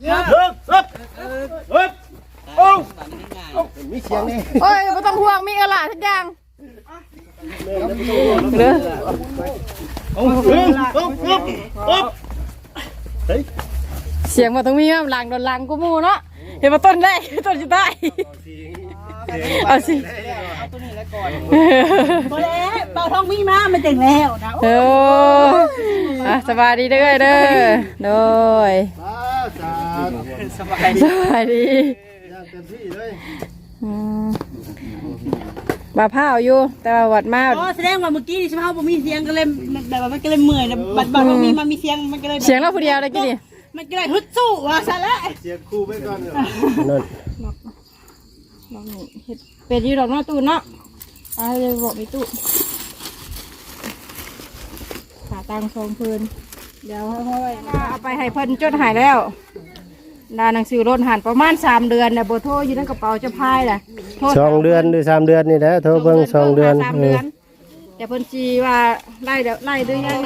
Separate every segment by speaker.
Speaker 1: มีเสียงนี่
Speaker 2: โอ้ยไม่ต้องห่วงมีอะไรทุกอย่างเด้อเสียงมาต้องมีหลังโดนหลังกูมูเนาะเห็นมาต้นได้ต้นจะได้เอาสิ
Speaker 3: เอาตัวนี้แล้วก่อนโบเล่เป่าท้องมีมามันจังแล้วนะ
Speaker 2: โอ้สบายดีเด้อเด้อโดย
Speaker 3: สบาย
Speaker 2: ดี
Speaker 1: เต็มที่เลย
Speaker 2: บ่าผ้าอยู่แต่ว่าวัดมา
Speaker 3: อ๋อแสดงว่าเมื่อกี้นี่ใช่ไหมผมมีเสียงก็เลยแบบว่ามันก็เลยเมื่อยนะบัดท้องมีมามีเสียงมันก็เลย
Speaker 2: เสียงเราผู้เดียวเลยกี่นี่
Speaker 3: มันก็เลยฮึดสู้ว่าซะแล้ว
Speaker 1: เสียงคู่ไปก่อนเลย
Speaker 2: นั่นลองนี่เฮ็ดเป็ดอยู่ดอกเนาะตู้เนาะเลยบอกมีตู้ขาตังทรงพื้นเดี๋ยวค่อยๆเอาไปให้เพิ่นจดหายแล้วดาหนังสือรถหันประมาณ3 เดือนเนี่ยโบโทรอยู่ในกระเป๋าจะพายแหละ
Speaker 1: 2 เดือนหรือ3 เดือนนี่แหละโทรเบิ่ง2 เดือน
Speaker 2: แต่เพิ่นจีว่าไล่เดี๋ยวไล่ด้วยยัง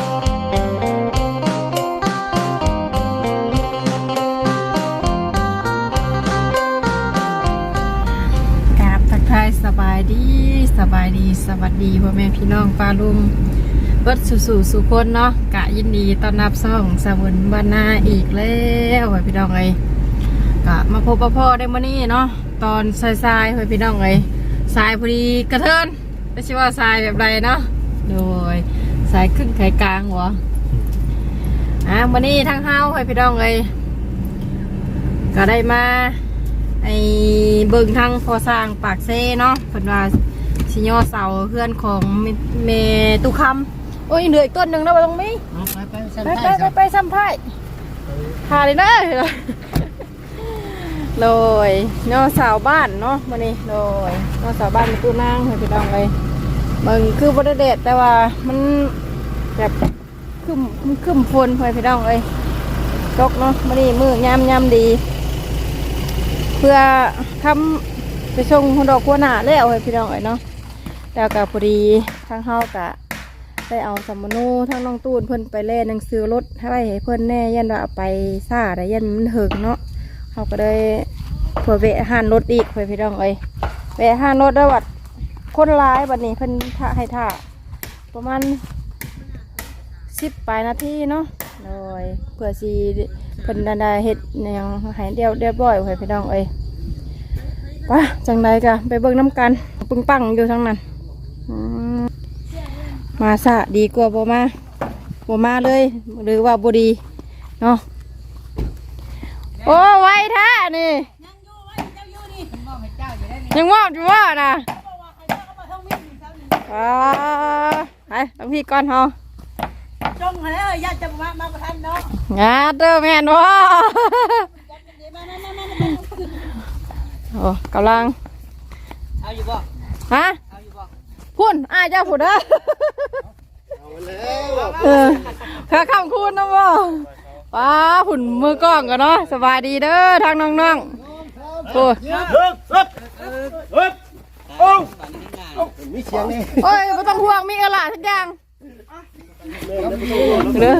Speaker 2: ทายสบายดีสวัสดีพ่อแม่พี่น้องป้าลุงเบิดสู่สุคนเนาะกะยินดีต้อนรับซ่องสมุนบ้านนาอีกแล้วพี่น้องเอ้ยกะมาพบพ่อได้มื้อนี้เนาะตอนทรายๆพี่น้องเอ้ยทรายพอดีกระเทินไม่ใช่ว่าทรายแบบไรเนาะโดยทรายครึ่งไข่กลางหัวมื้อนี้ทั้งเฮาพี่น้องเอ้ยก็ได้มาไอ้เบิ่งทางพอสร้างปากเซ่เนาะเพิ่นว่าสิย่อเสาเพื่อนของเมตุคำโอ้ยเหลืออีกต้นหนึ่งแล้วตรงนี้ไปซ้ำไพ่พาเลยนะโดยย่อเสาบ้านเนาะวันนี้โดยย่อเสาบ้านเป็นตู้นั่งให้พี่น้องเลยมึงคือบริเดตแต่ว่ามันแบบขึ้นฝนให้พี่น้องเลยตกเนาะวันนี้มือยำดีเพื่อทำไปส่งดอกกัวหนาแล้วให้พี่น้องเนาะแล้วก็พอดีทางเฮากะได้เอาสมนูทั้งน้องตูนเพิ่นไปเล่นหนังสือรถให้เพิ่นแน่ยันว่าไปซ่าแต่ยันมันหึงเนาะเขาก็ได้เผื่อแวะห้านรถอีกให้พี่น้องแวะห้านรถแล้ววัดคนร้ายบัดนี้เพิ่นให้ท่าประมาณ10 ปลายนาทีเนาะโดยเผื่อสีเพิ่นได้เฮ็ดยังหายเรียบร้อยให้พี่น้องว่าจังใดกะไปเบิ่งน้ำกันปึ้งปังอยู่ทั้งนั้นมาซะดีกว่าบ่มาเลยหรือว่าบ่ดีเนาะโอ้ไว้แท้นี่ยังมอบอยู่ว่านะไปต้องพี่ก่อนเฮา
Speaker 3: จงแล้วญาติจะมาประทานเนาะ
Speaker 2: งาเด้อแม่นว่าโอ้กำลัง
Speaker 3: เอาอยู่บ่
Speaker 2: ฮะ
Speaker 3: เอาอยู่บ่
Speaker 2: พุ่นเจ้าพุ่นข้าคำคุณนะบ่ป้าพุ่นมือกล้องกันเนาะสบายดีเด้อทางน้องๆโอ้
Speaker 1: มีเสียงนี่
Speaker 2: โอ้ยไม่ต้องห่วงมีอะไรทุกอย่างเด้อ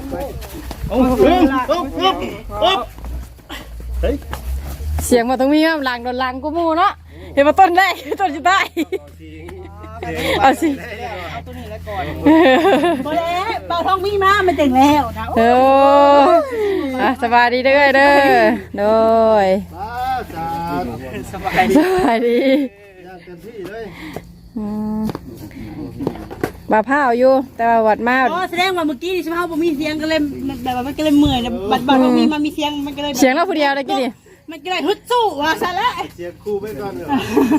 Speaker 2: เสียงมาต้องมีหลังโดนหลังกูมูเนาะเห็นมาต้นได้ต้นจะได้เอาสิ
Speaker 3: เอาตัวนี้แล้วก่อนโบเล่เป่าท้องมีมามันจังแล้วนะ
Speaker 2: โอ้สบายดีเด้อเด้อโดย
Speaker 3: สบาย
Speaker 2: ดี
Speaker 1: เต็มที่เลย
Speaker 2: บ่าผ้าอยู่แต่ว่าวัดมา
Speaker 3: อ๋อแสดงว่าเมื่อกี้นี่ใช่ไหมผมมีเสียงก็เลยแบบว่ามันก็เลยเมื่อยนะบัดท้องมีมามีเสียงมันก็เลย
Speaker 2: เสียงเราผู้เดียวเลยกี่นี่
Speaker 3: มันก็เลยฮึดสู้ว่าซะแล้ว
Speaker 1: เสียงคู่ไปก่อนเลย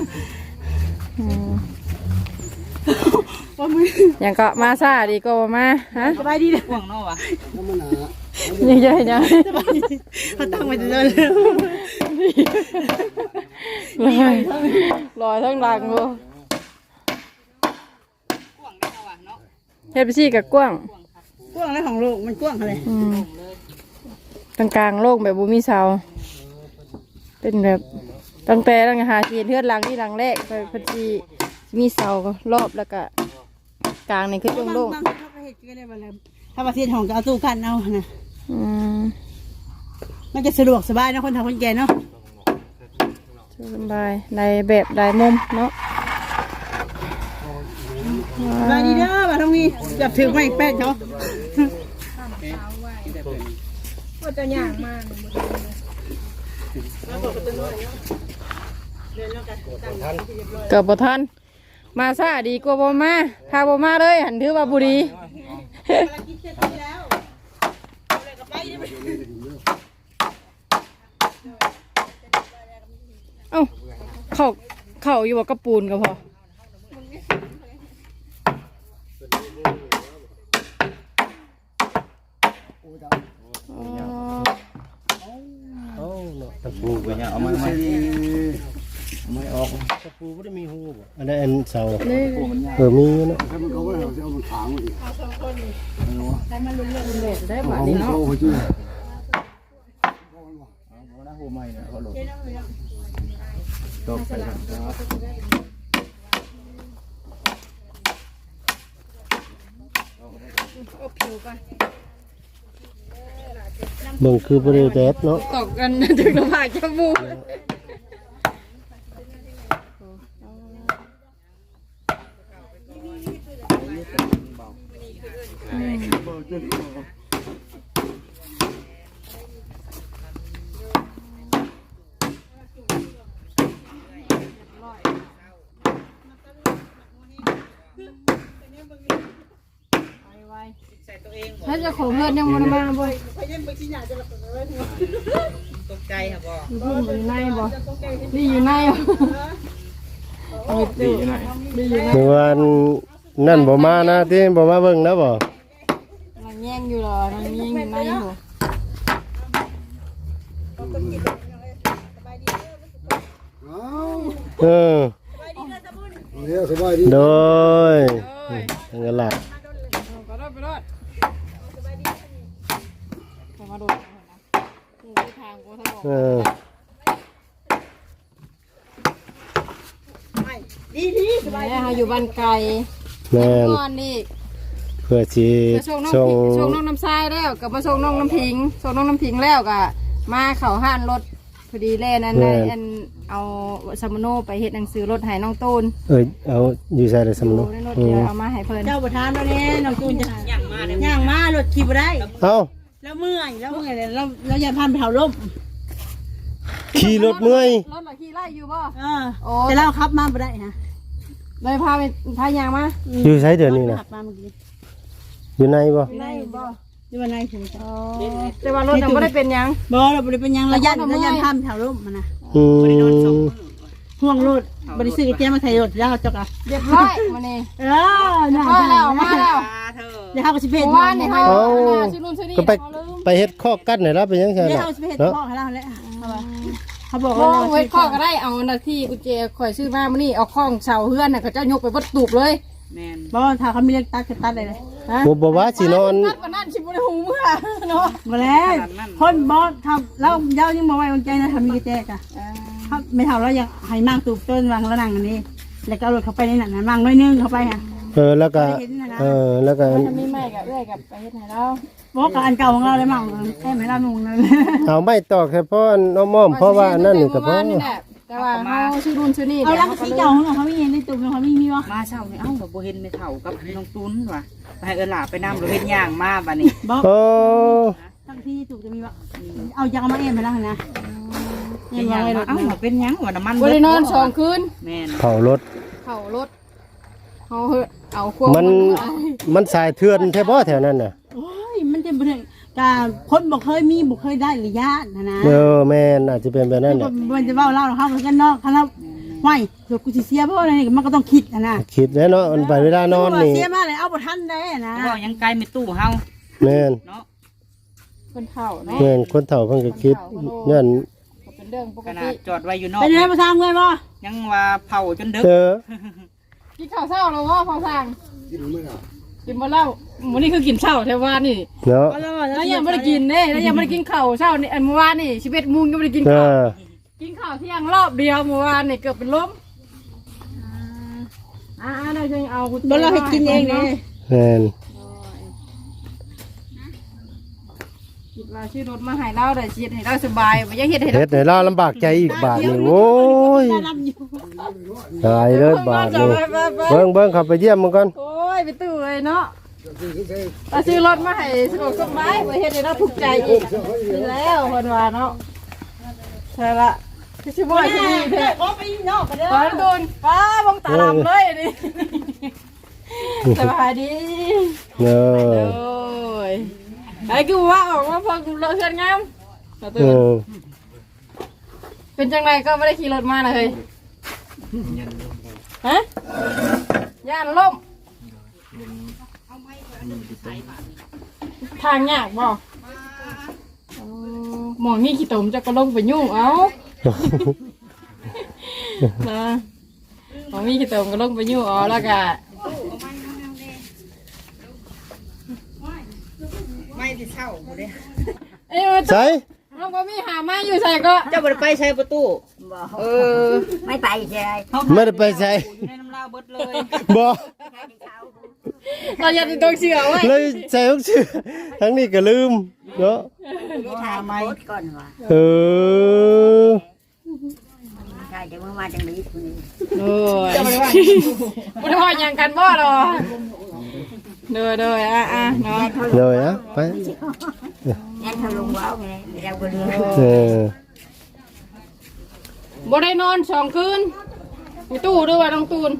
Speaker 2: อย่างก็มาซาดีก็มาฮะ
Speaker 3: สบายดีเลยห่วงเนาะวะ
Speaker 2: ยัง
Speaker 3: สบายดีเขาตั้งไว้เลย
Speaker 2: ลอยทั้งหลังบ่เฮ็ดไปซี่กับกว้าง
Speaker 3: อะไรของโลกมันกว้างอะไร
Speaker 2: กลางโลกแบบบ่มีเสาเป็นแบบตั้งแต่หาเทือนหลังที่หลังแรกไปพอดีมีเสารอบแล้วก็กลางนี่คือโล่ง
Speaker 3: ถ้าประเทศของจะเอาตู้กันเอานะมันจะสะดวกสบายนะคนทำคนแก่เนาะ
Speaker 2: สบายได้แบบได้มุมเนาะ
Speaker 3: สบายดีเด้อมาตรงนี้จับถือไม้แป้งเขา
Speaker 2: ว่าจะย่างมาก เกือบบ่ทันมาซาดีกว่าบ่มาพาบ่มาเลยหันถือว่าบุรีเอ้าเข้าอยู่บ่กระปูนก็พอ
Speaker 1: เอ้าเนาะตะปู
Speaker 4: ปูไปเนี่ยเอามาไม่ออก
Speaker 1: ตะปูบ่ได้มีหูบ่อันนั้นอันเสา
Speaker 2: นี่
Speaker 1: มีอยู่เนาะ
Speaker 2: ได้บาดนี้เนาะ
Speaker 4: นะหูใหม่เนี่ยเขาหลบตกไปครับ
Speaker 1: เบิ่งคือบ่ได้แดดเนาะ
Speaker 2: ตกกันถึงลำบากจมูกถ้าจะขอเพื่อนยังมันมาบ่ตกใจค่ะบ่อยู่ในบ่นี่อยู่ในบ่ดีอยู่ใน
Speaker 1: เมื่อวานนั่นบ่มานะที่บ่มาเบิ่งนะบ่
Speaker 2: มันแย่งอยู่หรอมันแย่งอยู่ในบ่
Speaker 1: เออ
Speaker 4: สบายดี
Speaker 1: โดยนั่นก็ล่ะ
Speaker 2: ไปรอดมาโดดทางกูทั้งหมด
Speaker 1: เออ
Speaker 3: ดีสบาย
Speaker 2: แม่อยู่บ้านไกล
Speaker 1: แม่น
Speaker 2: ก่อนนี่
Speaker 1: เพื่อสิ
Speaker 2: ส่งน้อง
Speaker 1: ส่ง
Speaker 2: ส่งน้องน้ำทรายแล้วกับมาส่งน้องน้ำพิงส่งน้องน้ำพิงแล้วก็มาเข้าห้านรถพอดีแล่นั้นได้อันเอาซัมโนไปเฮ็ดหนังสือรถให้น้องตูน
Speaker 1: เอาอยู่ใส่ได้สำนุ
Speaker 2: ในรถเดี๋ยวเอามาให้เพิ่น
Speaker 3: เจ้าประธานเราเนี่ยน้องจูนจะย่างมารถขี่ไปได้
Speaker 1: เอ้า
Speaker 3: แล้วเมื่อยเลยแล้วอย่าพันไปเผาล่ม
Speaker 1: ขี่รถเมื่อย
Speaker 2: รถมาขี่ไล่อยู่บ่
Speaker 3: แต่เราขับมาไปได้ฮะ
Speaker 2: เลยพาไปพายางมา
Speaker 1: อยู่ใช้เดี๋ยวนี้นะ
Speaker 3: ขับมาเมื่อกี้
Speaker 1: อยู่ในบ่
Speaker 3: ได้บ่อยู่วันไหนถึงจะ
Speaker 2: แต่ว่ารถยังไม่ได้เป็นหยัง
Speaker 3: บ่เราบริเป็นยังระยะพันเผาล่มมันนะ
Speaker 1: อืม
Speaker 3: ห่วงรถบริสุทธิ์แจ้มาไทยรถแล้วจกอ่ะ
Speaker 2: เรียบร้อยมานี่
Speaker 3: มาแล้ว
Speaker 2: มาแล้ว
Speaker 3: เดี๋ยวเขาก็สิเพจ
Speaker 2: ว่านี่เขาชื่อนู่นชื่อนี่
Speaker 1: ก็ไปเฮ็ดข้อกั้นให้เราเป็นยังไง
Speaker 3: เดี๋ยว
Speaker 1: ล่ะ
Speaker 3: เขาสิเพจ
Speaker 1: เนาะ
Speaker 3: บอกให้เราแล้วเขาบอก
Speaker 2: โอ้
Speaker 3: ว่า
Speaker 2: เวทข้อก็ได้เอาหน้าที่กุญแจข่อยซื้อมามื้อนี้เอาข้องเสาเฮือนน่ะเขาเจ้ายกไปวัดตูบเลย
Speaker 3: บอกถ้าเขามีเรื่องตัดก็ตัดเลย
Speaker 2: ฮะ
Speaker 1: บ่ว่าสินอน
Speaker 2: ตัดวันนั้นชิบุได้หูเมื่อเนาะ
Speaker 3: มาแล้วคนบอสทำแล้วเย้ายังบอกไว้วันใจนะทำมีกระแจกะครับไม่เท่าแล้วยังให้มั่งตูบต้นวางแล้วนั่งอันนี้แล้วก็เอารถเข้าไปในนั้นมั่งน้อยนึงเข้าไปฮะ
Speaker 1: แล้วก็แล้วก็
Speaker 2: ถ้ามีไม่กับเอื้อยกับไปเฮ็ดให้เรา
Speaker 3: บอกกับอันเก่าของเราเลยมั่งแค่ไม่รับนุ่งเลย
Speaker 1: เอาไม่ตอกแค่เพราะน้องม่อมเพราะว่านั่นนี่ก็พอ
Speaker 2: แต่ว่าเฮาชื่อนู่นชื่อนี่
Speaker 3: เอาลังสีเก่าของเขาไม่เห็นในตูบเขาไม่มีวะ
Speaker 5: มาเช้านี่เอ้าบ่เห็นไม่เท่ากับน้องตุ้นว่ะไปให้เอิ้นหลาไปนำบ่เห็นย่างมาบัดนี้
Speaker 3: บอก
Speaker 1: โอ้
Speaker 3: ทั้งที่ตูบจะมีวะเอายางมาเอ็มไปแล้วนะ
Speaker 5: เป็นหยังมาเอ้าบ่เป็นหยังว่าน้ำมัน
Speaker 2: บ่ได้นอน2คืน
Speaker 5: แม่น
Speaker 1: เผารถ
Speaker 2: เข้ารถเฮาเอาควบ
Speaker 1: มันสายเถื่อนแท้บ่แถวนั้นน่ะ
Speaker 3: โอ้ยมันจะเป็นการคนบอกเคยมีบอกเคยได้หรือญาตินะ
Speaker 1: แม่นอาจจะเป็นแบบนั้นแหละ
Speaker 3: มันจะเล่าเล่าเขากันนอกเขาแล้วไหวเดี๋ยวกูจะเสียเพราะอะไรมันก็ต้องคิดนะ
Speaker 1: คิดแล้วเนาะมันไปเวลานอนนี่
Speaker 3: เสียมากเลยเอาบทท่านได้นะ
Speaker 5: บ่ยังไกลไม่ตู้เฮา
Speaker 1: แม่น
Speaker 5: เนาะ
Speaker 2: คนเฒ่าเนาะ
Speaker 1: แม่นคนเฒ่าเพิ่นก็คิดนั่น
Speaker 2: ก็เป็นเรื่องปก
Speaker 5: ขนา
Speaker 2: ติ
Speaker 5: ดจอดไว้อยู่นอก
Speaker 3: เป็นไงมาทางเงินบ่
Speaker 5: ยังว่าเผาจนดึก
Speaker 2: กินข้าวเช้าแล้วบ่พอสั่งกินบ่แล้วมื้อนี้คือกินเช้าแท้ว่านี่
Speaker 1: เนาะ
Speaker 2: แล้วยังไม่ได้กินเด้แล้วยังไม่ได้กินข้าวเช้านี่อันเมื่อวานนี่11 โมงยังไม่ได้กิน
Speaker 1: เอ
Speaker 2: ข้าว
Speaker 1: อ
Speaker 2: กินข้าวเที่ยงรอบเดียวเมื่อวานนี่เกือบเป็นลมเราจะเอา
Speaker 3: บ่เราให้กินเองเลย
Speaker 1: แม่น
Speaker 2: คิดว่าชื่อรถมาให้เราได้ชีวิตให้เราสบายบ่อยากเฮ็ดให้
Speaker 1: เฮ็ดให้เราลำบากใจอีกบาทนี่โอ้ยตายเลยบาทนี่เบิ่งเข้าไปเยี่ยมมันก่อน
Speaker 2: โอ้ยไปตู้เลยเนาะถ้าซื้อรถมาให้สะดวกสบายบ่เฮ็ดให้เราทุกข์ใจอีกนี่แล้วเพิ่นว่าเนาะใช่ละคือสิบ่ให้ดีแท้
Speaker 3: ก็ไปนอกกันเด้อ
Speaker 2: ตอนโดนป้าบังตาดำเลยนี่สบายดี
Speaker 1: เนอ
Speaker 2: โอ้ยไอ้กูว่าออกมาพอกูเลอะเชือนงาม
Speaker 1: เออ
Speaker 2: เป็นจังไรก็ไม่ได้ขี่รถมาเลยฮะย่านล่มทางยากบ่หมองนี่ขี้ตมจะก็ลงไปยุ่งเอานะหมองนี่ขี้ตมก็ลงไปยุ่งเอาแล้วก็
Speaker 5: ไม่ที่เช่าบ่ได้
Speaker 2: เอ้ย
Speaker 1: ใส่
Speaker 2: น้องก็มีหาไม้อยู่ใส่ก็
Speaker 5: เจ้าบ่ได้ไปใช้ประตูเออ
Speaker 3: ไม่ไปใช่
Speaker 1: ไม่ได้ไปใส่
Speaker 5: อยู่ในน้ำลาวเบิดเลย
Speaker 1: บ่
Speaker 2: เราอยากจะต้องเชื่อไว้
Speaker 1: เลยใส่ทุกชื่อทั้งนี้ก็ลืมเนาะ
Speaker 5: หาไม้
Speaker 3: ก่อนว่ะ
Speaker 1: เออ
Speaker 3: ใช่เดี๋ยวมาจังนี้คนนี้
Speaker 2: โอ้ยไม่ได้ว่าอย่างกันบ่หรอเด้อเด้ออ่ะเนาะ
Speaker 1: เลยนะไป
Speaker 3: งั้นเขาลงว้าวไงเราก็เรือ
Speaker 1: เออ
Speaker 2: บ่ได้นอน2 คืนไปตู้ด้วยว่าน้องตูน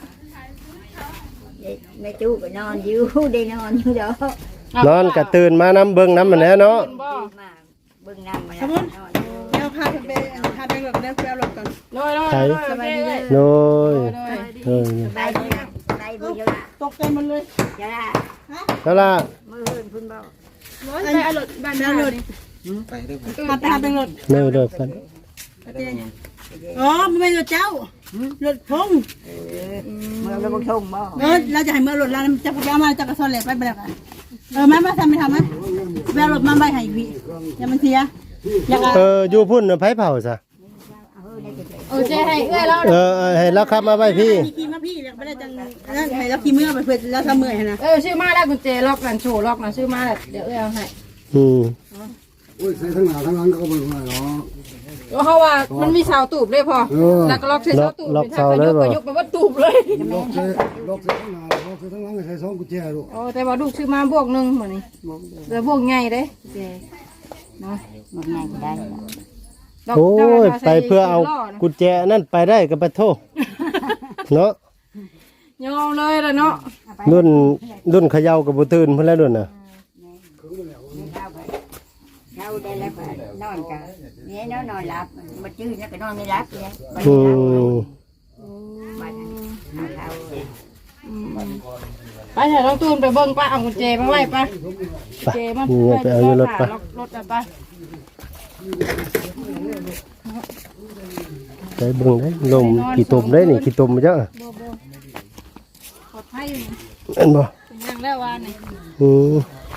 Speaker 3: ในตู้ก็นอนอยู่ได้นอนอยู่เด้อน
Speaker 1: อนก็ตื่นมาน้ำเบิ่งน้ำมันแหล้วเนาะ
Speaker 2: บ่
Speaker 3: มาเบิ่งน้ำมา
Speaker 5: เดี๋ยวพาไปพาไปรถเด้อไปเอารถก่อน
Speaker 2: โดยโดยโดย
Speaker 1: โดยเออ
Speaker 3: ได้ได้บุญเยอะ
Speaker 5: ตกใจมันเลย
Speaker 3: จ้า
Speaker 1: แล้วล่ะ
Speaker 3: มือเฮินพุ่นเบา
Speaker 2: ไปเอารถบ้านเอารถ
Speaker 5: พาไปรถ
Speaker 1: เนื้อเด้อกัน
Speaker 5: อ๋อมันเป็นรถเจ้ารถพง
Speaker 3: เมื่อเราบุกชงบ่
Speaker 5: เราจะให้เมื่อรถเราจะไปเอามาจากกระสอบเหล็กไปไปแล้วกันมาทำไม่ทำไหมไปเอารถมาใบให้พี่อย่ามันเสียอยาก
Speaker 1: เอออยู่พุ่นน่ะไผเผาซะ
Speaker 2: โอ้เจ๊ให้เอ้ยแล้ว
Speaker 1: ให้เราขับมาไว้พี่
Speaker 5: ขี่มาพี่ไม่ได้จังนั่นให้เราขี่เมื่อไปเพื่อแล้วทำเมื่อยนะ
Speaker 2: ชื่อมาแล้วกุญแจล็อกนั่นโชว์ล็อกนะชื่อมาแล้วเดี๋ยวเอ้ยเอาให้
Speaker 1: อืม
Speaker 6: โอ้ยใส่ทั้งหน้าทั้งหลังก็บ่รู้เนาะ
Speaker 2: เพราะว่ามันมีเสาตูบเลยพอแล้วก็ล็อกใส่เสาตูบเป็นทางก็ยกไปว่าตูบเลย
Speaker 6: ล็อกใส่ทั้งหน้าล็อกใส่ทั้งหลังใส่2กุญแจลูก
Speaker 2: โอ้แต่ว่าลูกซื้อมาบวกหนึ่งเหมือนนี่เดี๋ยวบวกใหญ่เด้เจ๊เนาะ
Speaker 3: หมดไงก็ได้
Speaker 1: โอ้ยไปเพื่อเอากุญแจนั่นไปได้ก็ไปโทษเนาะ
Speaker 2: ยอมเลยละเนาะ
Speaker 1: รุ่นเขย่ากับบ่ตื่นเพิ่นแล้วรุ่นน่ะ
Speaker 3: เข้าได้แล้วก็นอนกันนี่เนาะนอนหลับมาจื้อแล้วก็นอนไม่หลับเนี่ยไป
Speaker 1: อืม
Speaker 3: บ้านเขา
Speaker 2: ไปเถอะน้องตูนไปเบิ่งป้าเอากุญแจมาไว้ป้า
Speaker 1: ไปนี่ไปเอาอยู่รถไป
Speaker 2: รถไป
Speaker 1: ไปเบิ่งได้ลมขี้ตมได้นี่ขี้ตมมาเจ้า
Speaker 2: ปลอดภัยอยู่
Speaker 1: เห็นบ่
Speaker 2: เป็นยังแล้ววานนี่
Speaker 1: อืม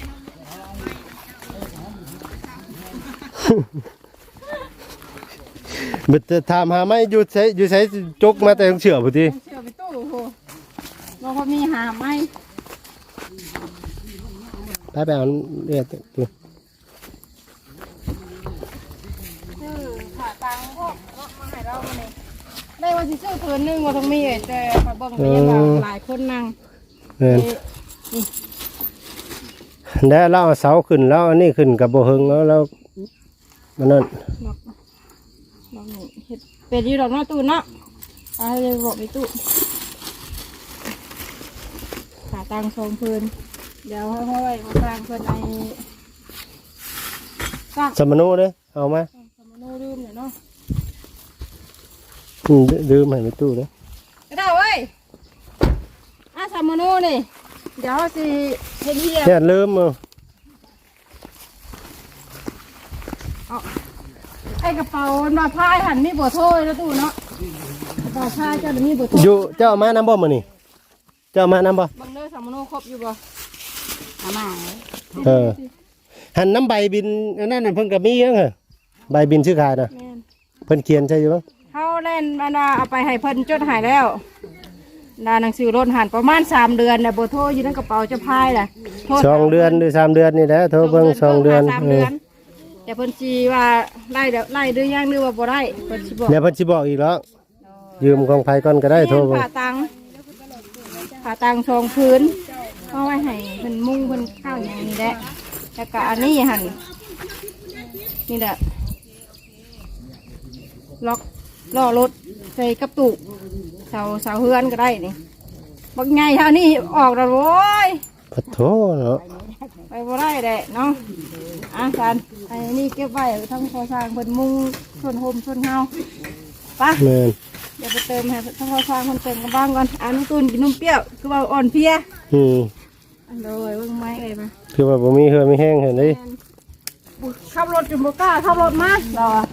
Speaker 1: มันจะถามหาไหมอยู่ใช้จกมาแต่ต้องเชื่อพุ่นติ
Speaker 2: เชื่อไปตู้โหบอกว่ามีหาไหม
Speaker 1: ไปเอาเรียกตัว
Speaker 2: ขาตังพวกรถมาให้เราเนี่ยได้วันที่ซื้อเพิ่นนึงว่าต้องมีแต่ไปเบิ่งไปยังว่าหลายคนนั่ง
Speaker 1: เอิ้นได้เราเอาเสาขึ้นแล้วอันนี้ขึ้นกับบ่เฮิงแล้วมันนั่น
Speaker 2: ลองนี่เฮ็ดเป็ดอยู่ดอกเนาะตู้เนาะเอาเลยบอกไปตู้ขาตังทรงเพิ่นเดี๋ยวให้ไว้มาสร้างเพิ่นไอ้สร้าง
Speaker 1: สมโนเด้อเอามา
Speaker 2: สมโนลืมเนี่ยเนาะ
Speaker 1: ลืมให้ในตู้เด้อก
Speaker 2: ระดาเว้ยสมโนนี่เดี๋ยวสิเฮ็ดเฮีย
Speaker 1: เนี่ยลืมเอา
Speaker 2: ไอ้กระเป๋ามาพายหันมีบ่โทยแล้วตู้เนาะกระเป๋าพายเจ้ามีบ่โทย
Speaker 1: อยู่เจ้าเอามานำบ่มื้อนี้เจ้าเอามานำบ่
Speaker 2: บังเด้อสมโนครบอยู่บ่
Speaker 3: เอามา
Speaker 1: เออหันน้ำใบบินอันนั้นน่ะเพิ่นก็มียังเหรอใบบินชื่อขายน่ะ
Speaker 2: แม่น
Speaker 1: เพิ่นเขียนใช่อยู่บ่
Speaker 2: เฮาเล่นมันว่าเอาไปให้เพิ่นจดหายแล้วดาหนังสือรถหันประมาณ3 เดือนน่ะบ่โทรอยู่ในกระเป๋าจะพายแหละโทร
Speaker 1: 2 เดือนหรือ3 เดือนนี่แหละโทรเบิ่ง2 เดือน
Speaker 2: 3 เดือนแต่เพิ่นสิว่าไล่เดือนย่างหรือว่าบ่ได้เพิ่นสิบอก
Speaker 1: เดี๋ยวเพิ่นสิบอกอีกแล้วยืมของไผก่อนก็ได้โทรเบิ่ง
Speaker 2: ผ่าตัง2 พื้นเอาไว้ให้เพิ่นมุงเพิ่นข้าวอย่างนี้แหละแล้วก็อันนี้หั่นนี่แหละล็อกล้อรถใส่กระตุกเสาเฮือนก็ได้นี่บักใหญ่เท่านี้ออกแล้วโว้ย
Speaker 1: ขอโทษเนาะ
Speaker 2: ไปบ่ได้แหละเนาะสันไอ้นี่เก็บไว้ทั้งพอสร้างเพิ่นมุงส่วนโฮมส่วนเฮาไป
Speaker 1: แม่น
Speaker 2: เดี๋ยวไปเติมให้ทั้งพอสร้างเพิ่นเติมกันบ้างก่อนนุ่มตูนกินนุ่มเปรี้ยวคือว่าอ่อนเพลีย อันโดยเบิ่งไม้เอ้ยมา
Speaker 1: คือว่าบ่มีเหือมีแห้งเห็นดิ
Speaker 2: ขับรถจนบ่กล้าขับรถมาเราอะ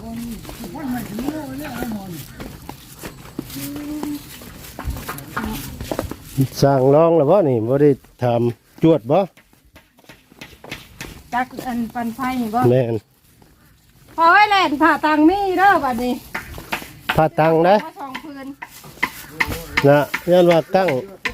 Speaker 1: สร้างรองแล้วบ่นี่บ่ได้ทำจวดบ่
Speaker 2: จักอันปันไฟนี่บ่
Speaker 1: แม่น
Speaker 2: พอไว้แล่นผ่าตังมีเด้อบัดนี้
Speaker 1: พาตังนะ
Speaker 2: มา2 พื้น
Speaker 1: นะยันว่าตั้ง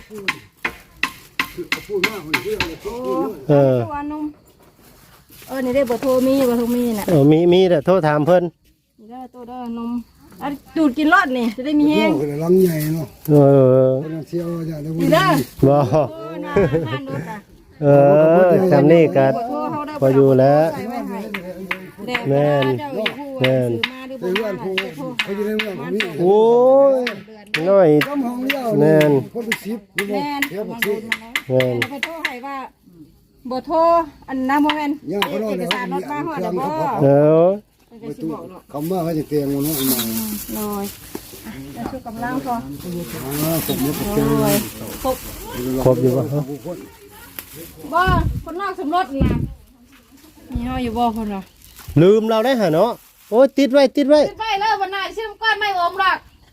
Speaker 2: ตัวนุ่มนี่ได้เบอร์โทรมีน่ะ
Speaker 1: มีแต่โทรถามเพิ่น
Speaker 2: นี่เด้อตัวเด้อนมอันดูดกินรอดนี่จะได้มีแห้ง
Speaker 6: คนลังใหญ่เนาะ
Speaker 1: เออ
Speaker 6: คนเที่ยวจะได้
Speaker 2: นี่เด้อ
Speaker 1: บ่
Speaker 2: น่าทานดูค่ะ
Speaker 1: จำนี่ก็
Speaker 2: เบอร์โทรเขาได้
Speaker 1: พออยู่แล้ว
Speaker 2: ใส่ไว้ให้แดด
Speaker 1: แม่น
Speaker 2: เจ้าอยู่ผู้
Speaker 1: แม่น
Speaker 2: ซื้อมาหรือบ่มาโทร
Speaker 6: เขาจะได้เรื่องของนี้
Speaker 1: โอ้ยน้อย
Speaker 6: ต้มห้องเดียว
Speaker 1: แม่น
Speaker 6: คนไปซิปนี่
Speaker 2: แม่น
Speaker 6: เที่ยว
Speaker 2: มา
Speaker 6: ซิ
Speaker 2: โด
Speaker 6: ป
Speaker 2: นมาแล้ว
Speaker 1: แม่น
Speaker 2: ไปโทรให้ว่าเบอร์โทรอันน้ำโมเมน
Speaker 6: ย่างเขาโน่น
Speaker 2: เอก
Speaker 6: เลย
Speaker 2: สารรถมาหัวเดี๋ยวบ่
Speaker 1: เออ
Speaker 2: จะสิบอกหรอก
Speaker 6: คำว่าเขาจะเตียงมันนู่นมา
Speaker 2: เลยจะช่วยกำลังพอ
Speaker 6: ผมไม่ตกใจ
Speaker 2: เลยครบ
Speaker 1: ครบอยู่บ่ฮะ
Speaker 2: บ่คนนอกสมรสนี่นะมีห้ออยู่บ่คนเหรอ
Speaker 1: ลืมเราได้หาเนาะโอ้ยติดไว้
Speaker 2: ขึ้นไปเลยวันหน้าชื่อก้อนไม่อมหรอก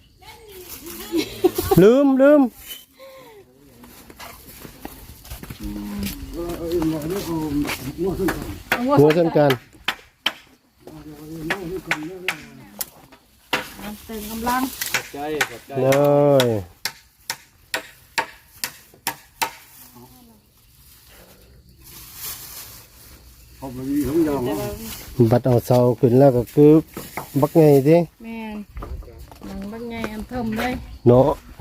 Speaker 1: ลืม หัวสำคัญ
Speaker 2: เติมกำลัง
Speaker 4: ใจขอบใจ
Speaker 1: เลย
Speaker 6: เขาไปมีของยาว
Speaker 1: บัดเอาเสาขึ้นแล้วก็คือบักไงสิ
Speaker 2: แม่นหนังบางไงอันเทิมเลย
Speaker 1: เนาะโอ้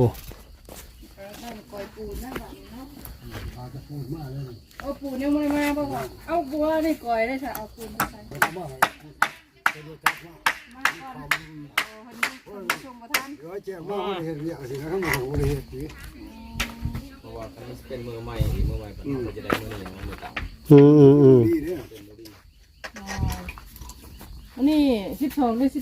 Speaker 2: เอาปูเนี่ยมันมาบ่ก่อนเอาบัวได้ก่อยได้ค่ะเอาปูมาใส่มาก่อนชมประทาน
Speaker 6: เดี๋ยวแจ้งว่าเขาเห็นเนี่ยสินะทั้งหมดเขาเห็นสิ
Speaker 4: เพราะว่าคันนี้เป็นมือใหม่มันจะได้มือหนึ่งมือเก่า
Speaker 6: ดีเนี่ย
Speaker 2: อันนี้12หรือ13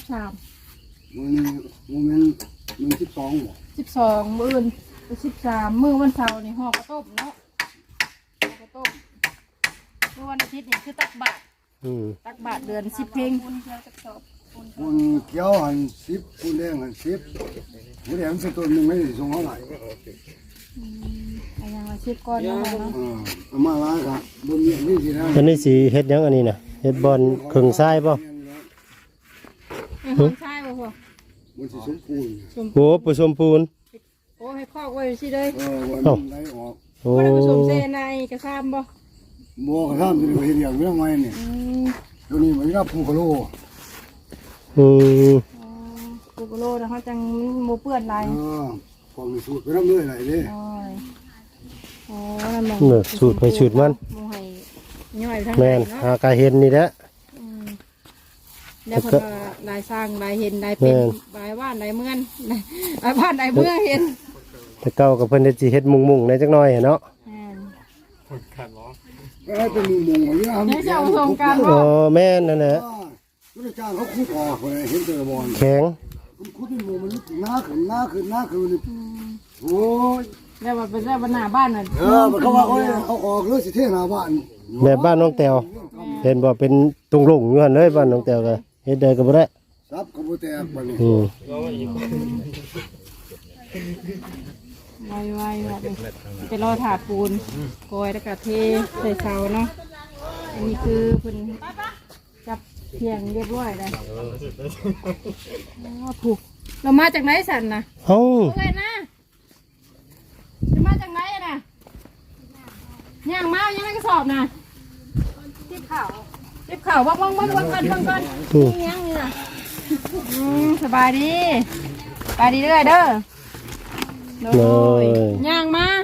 Speaker 6: มัน12บ่
Speaker 2: 12มื้ออื่น13มื้อวันเสาร์นี่ห่อกระต้มเนาะห่อกระต้มเมื่อวันอาทิตย์นี่คือตักบาตรเดือน10 เพลง
Speaker 6: คุณเกี่ยวหัน10คุณแดงหัน10คุณแดงสักตัวนึงไม่ได้ส่งเท่าไหร่
Speaker 2: อันยังละ10ก้อนเนาะ
Speaker 6: มาล้างครับบนนี้นี่สินะ
Speaker 1: อันนี้สีเฮ็ดหยังอันนี้น่ะเฮ็ดบอลครึ่งทรายป่ะ
Speaker 2: ใช่บ่พ่อ
Speaker 6: มันสิสมปูน
Speaker 1: โอ้ผสมปูน
Speaker 2: โอ้ให้คอกไว้สิเลย
Speaker 6: วันไหลออก
Speaker 1: โอ้
Speaker 2: บ่ได้ผสมเซในกระซามบ่
Speaker 6: บ่กระทำจะเห็นอย่างเรื่องไงเนี่ยตัวนี้มันรับผู้กะโล
Speaker 2: ปูกโลนะเขาจังโมเปื้อนลาย
Speaker 6: ฟองสูตรไปรับเลยไหลเลย
Speaker 2: โอ้ยโอ้นั่น
Speaker 1: เนอะสูตรไปสูตรมัน
Speaker 2: โมให้ย่อยทั้ง
Speaker 1: แม่น
Speaker 2: เนาะ
Speaker 1: หากาเห็นนี่แหละ
Speaker 2: แล้วเพิ่นว่าลายสร้างลายเห็นลายเป็นลายว่านลายเมืองลายบ้านลายเมืองเห็น
Speaker 1: แต่เก่ากับเพิ่นได้สิเฮ็ดมุงๆในจักหน่อยเนาะ
Speaker 6: ก็ให้เป็นมุมของนี่
Speaker 2: นี่จะเอาส่งการ
Speaker 1: อ๋
Speaker 2: บ่
Speaker 1: อแม่นนั่นแหละ
Speaker 6: ก็ได้จ้างเขาคุดออกเลยเห็นเจอบอล
Speaker 1: แข็ง
Speaker 6: คุดที่มุมมันหน้าขึ้นโอ้ย
Speaker 2: แล้วว่าเป็นแล้วหน้าบ้านน่ะ
Speaker 6: มันเขาว่าเขาออกเลยสิเท่หน้าบ้าน
Speaker 1: แบบบ้านน้องแตวเห็นบ่เป็นตรงลงอยู่หั่นเลยบ้านน้องแตวก็เฮ็ดได้ก็บ่ได้
Speaker 6: ซับกระโบแตกบ้านนี้
Speaker 2: ไวๆแบบนี้ไปรอถาปูนโกยแล้วก็เทใส่เสาเนาะอันนี้คือเพิ่นจับเพียงเรียบร้อยแล้วผูกเรามาจากไหนสันนะ
Speaker 1: เอ้า
Speaker 2: โอเคนะจังไรน่ะย่างมายังไงก็สอบน่ะทิพเข่าบ้างก่อนยังนี่น่ะสบายดีเด้อเด้อโอ้ยย่างมา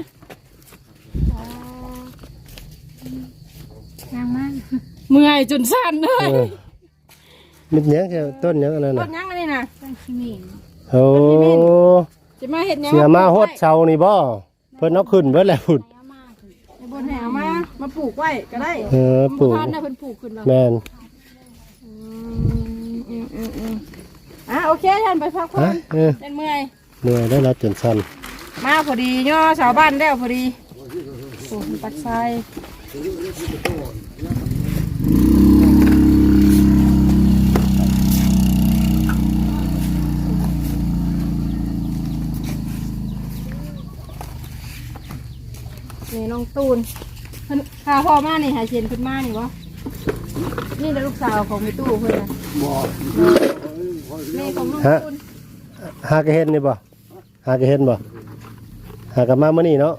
Speaker 2: เมื่อยจนสั่นเลย
Speaker 1: มิดเนี้ยแค่ต้นเนี้ยอะไร
Speaker 2: ต้
Speaker 1: น่ะ
Speaker 2: นยังอะไรน่ะต้นขี้หมิ่น
Speaker 1: โอ้
Speaker 2: จะมาเห็ดยัง
Speaker 1: เสียมาฮดเชานี่บ่เพิ่นเอาขึ้นเบิดแล้วพุ่น
Speaker 2: บนแหวมาปลูกไว้ก็ได้
Speaker 1: ปลูก
Speaker 2: ท่านน่ะเพิ่นปลูกขึ้นแล้ว
Speaker 1: แม่น
Speaker 2: โอเคท่านไปพักผ่อนเป็นเมื่อย
Speaker 1: เหนื่อยได้แล้วจนสั่น
Speaker 2: มาพอดีย่อชาวบ้านแล้วพอดีโอ้ปัดไฟนี่น้องตูนเพิ่นข้าพ่อมานี่หาเชียนขึ้นมานี่วะนี่เป็นลูกสาวของแม่ตู้เพิ่นนะ
Speaker 6: บ่
Speaker 2: นี่ของน้องตูน
Speaker 1: หากระเห็นนี่บ่หากระเห็นบ่หากระมามื้อนี้เนาะ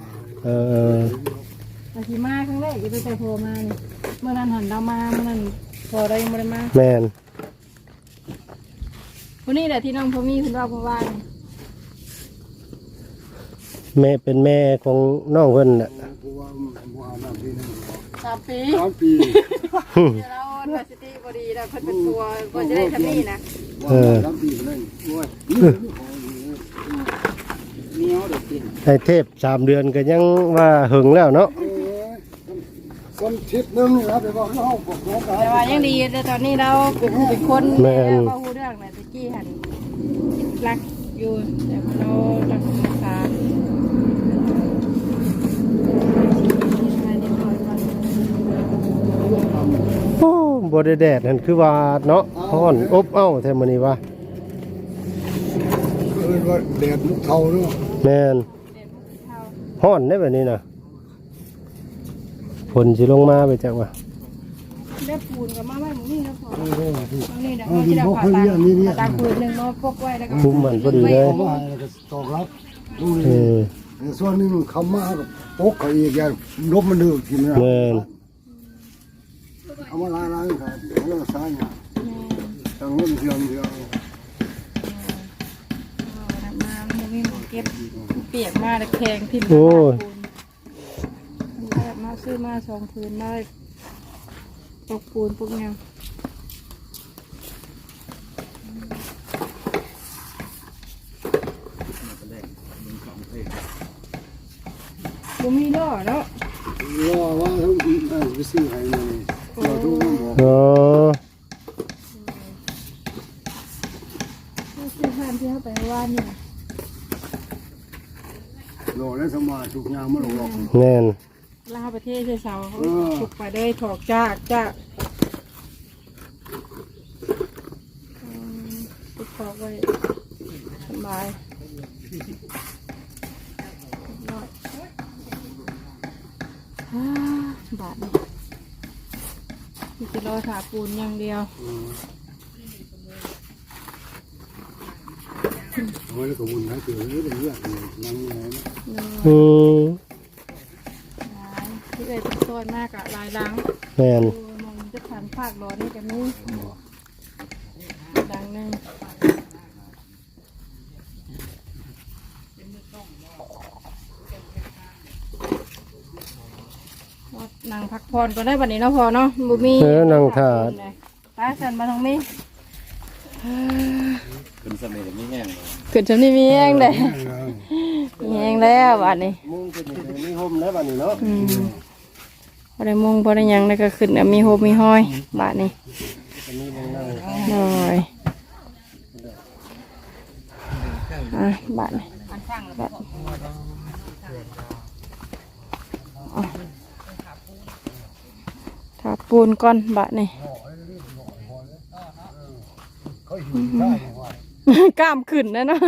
Speaker 2: อาทิมาครั้งแรกจะไปใส่โพมานี่เมื่อนั้นหันเรามาเมื่อนั้นพอเรายังไม่ได้มา
Speaker 1: แม่น
Speaker 2: วันนี้แหละที่น้องพอมีคุณว่าเพราะว่า
Speaker 1: แม่เป็นแม่ของน้องเพิ่นน่ะ
Speaker 6: ผู้ว่าบ่อาบน้ำปีนึง
Speaker 2: 3 ปี
Speaker 6: 3 ปี
Speaker 2: เดี๋ยวเราดัสติพอดีแล้วเพิ่นเป็นตัวก็จะได้ทำนี่นะ
Speaker 6: 3 ปีเลยโอ้ยเหนียวเด็กกิน
Speaker 1: ให้เทพ3 เดือนก็ยังว่าหึงแล้วเนาะ
Speaker 6: คนทิศนึงครับเดี๋ยวบอกเขาบอกน้องกัน
Speaker 2: แต่ว่ายังดีแต่ตอนนี้เราเป็นคนแล้วก็รู้เรื่องนะตะกี้หันรักอยู่แต่เรารักษา
Speaker 1: โอ้บ่ได้แดดนั่นคือว่าเนาะร้อนอบอ้าวแท้มื้อนี้ว่า
Speaker 6: ว่าแดดมุกเทาเนาะ
Speaker 1: แม่นร้อนได้แบบนี้น่ะฝนสิลงมาไปจักว่า
Speaker 2: ได้ปูนกับมาไว้หมูนี่นะพอ นี่เดี๋ยว
Speaker 6: เอา
Speaker 2: เรา
Speaker 6: ดิ
Speaker 2: จะ
Speaker 6: น
Speaker 2: เอา
Speaker 6: พวก
Speaker 2: ผ่า
Speaker 6: เขา
Speaker 2: ตา
Speaker 6: เรียกนี่เนี่ย
Speaker 2: ตาคืนหนึ่งมาปกไว้แล้วก็
Speaker 1: คุมมันพอดีเลย
Speaker 6: ว่าแล้วก็ตอกรับดูนี่ส่วนหนึงคำมากับปกเขาอีกอย่างลบมันดื้อกินนะ
Speaker 1: แม่น
Speaker 6: เอามาล้างครับแล้วก็ใส่เนี่ยตั้งเงินเทียมเดียว
Speaker 2: มาไม่มีหมูเก็บเปียกมาแต่แข็งทิ่ม
Speaker 1: โอ้ย
Speaker 2: มาซื้อมา2 คืนมาปกปูนปกเงาบุมีดอกเนาะ
Speaker 6: รอว่าทั้งไปซื้อให้เลยรอทุกคนบอก
Speaker 1: อ๋อ
Speaker 2: ซื้อผ่านที่เขาไปว่านี่
Speaker 6: รอแล้วสมาทุกอย่างมาหลอก
Speaker 1: แม่น
Speaker 2: ลาประเทศเสาถูกไปได้ถอกจากติดถอกไว้สบายบาทนี่จะรอถาปูนอย่างเดียว
Speaker 6: โอ้ยแล้วก็วุ่นให้เกิดเรื่องเรื่องนั่งไงนะ
Speaker 2: ที่เอ่ยเป็นต้นมากอะลายล้าง
Speaker 1: แม่น
Speaker 2: มองจะผ่านภาคร้อนนี่กันนี่ดังนึงนางพักผ่อนก็ได้บัดนี้เนาะพอเนาะบุมี
Speaker 1: นั่งท่า
Speaker 2: ป้าฉันมาทางนี้
Speaker 4: ขึ้นสมัยนี้แห้งเลย
Speaker 2: ขึ้นฉันนี่มีแห้งเลยมีแห้งแล้วบัดนี้
Speaker 1: มุงเป็นมีห่มแล้วบัดนี้เนาะ
Speaker 2: พอได้มุงพอได้หยังแล้วก็ขึ้นแล้วมีโฮมมีห้อยบาทนี้หน่อยบาทนี้บาทถาปูนก่อนบาทนี้กล้ามขึ้นนะเนาะ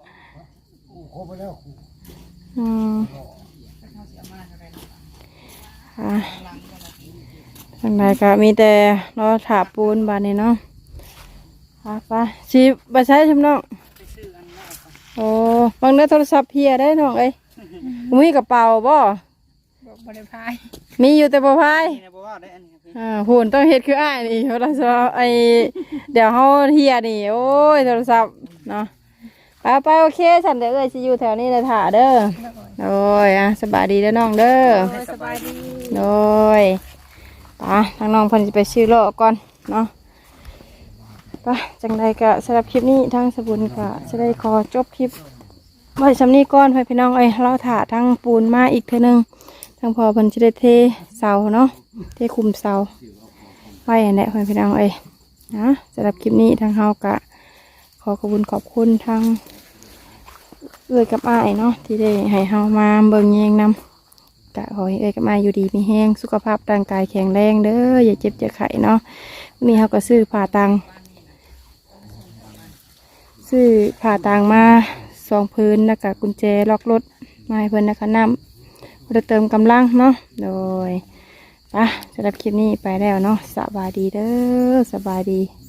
Speaker 2: ทางใดก็มีแต่รอถาปูนบาทนี้เนาะไปชีบใช้ชมน้องโอ้บางเนื้อโทรศัพท์เพียได้น้องเอ้ยมีกระเป๋าบ่
Speaker 5: บ่ได้พาย
Speaker 2: มีอยู่แต่บ่พาย
Speaker 4: นี่นะบ่ว่าได้อันนี้ครับ
Speaker 2: หุ่นต้องเฮ็ดคืออ้ายนี่โทรศัพท์เดี๋ยวเฮาเฮียนี่โอ้ยโทรศัพท์เนาะไปโอเคฉันเดี๋ยวสิอยู่แถวนี้เลยถ่าเด้อโอ้ยสบายดีเด้อน้องเด้อ
Speaker 5: สบายดี
Speaker 2: โดยไปทางน้องเพิ่นสิไปซื้อโลก่อนเนาะไปจังใดก็สำหรับคลิปนี้ทางสบุญก็จะได้ขอจบคลิปไว้สำนี้ก่อนพี่น้องเราถ่าทางปูนมาอีกเทื่อนึงทางพอเพิ่นจะได้เทเสาเนาะเทคุมเสาไว้อันนี้พี่น้องนะสำหรับคลิปนี้ทางเฮากะขอขอบคุณทางกับอ้ายเนาะที่ได้ให้เฮามาเบิ่งแยงนำกะขอให้กับอ้ายอยู่ดีมีแห้งสุขภาพร่างกายแข็งแรงเด้ออย่าเจ็บอย่าไข้เนาะนี่เฮาก็ซื้อผ่าตังมา2 พื้นแล้วก็กุญแจล็อกรถมาให้เพิ่นนะคะน้ำเพื่อเติมกำลังเนาะโดยสำหรับคลิปนี้ไปแล้วเนาะสบายดีเด้อสบายดี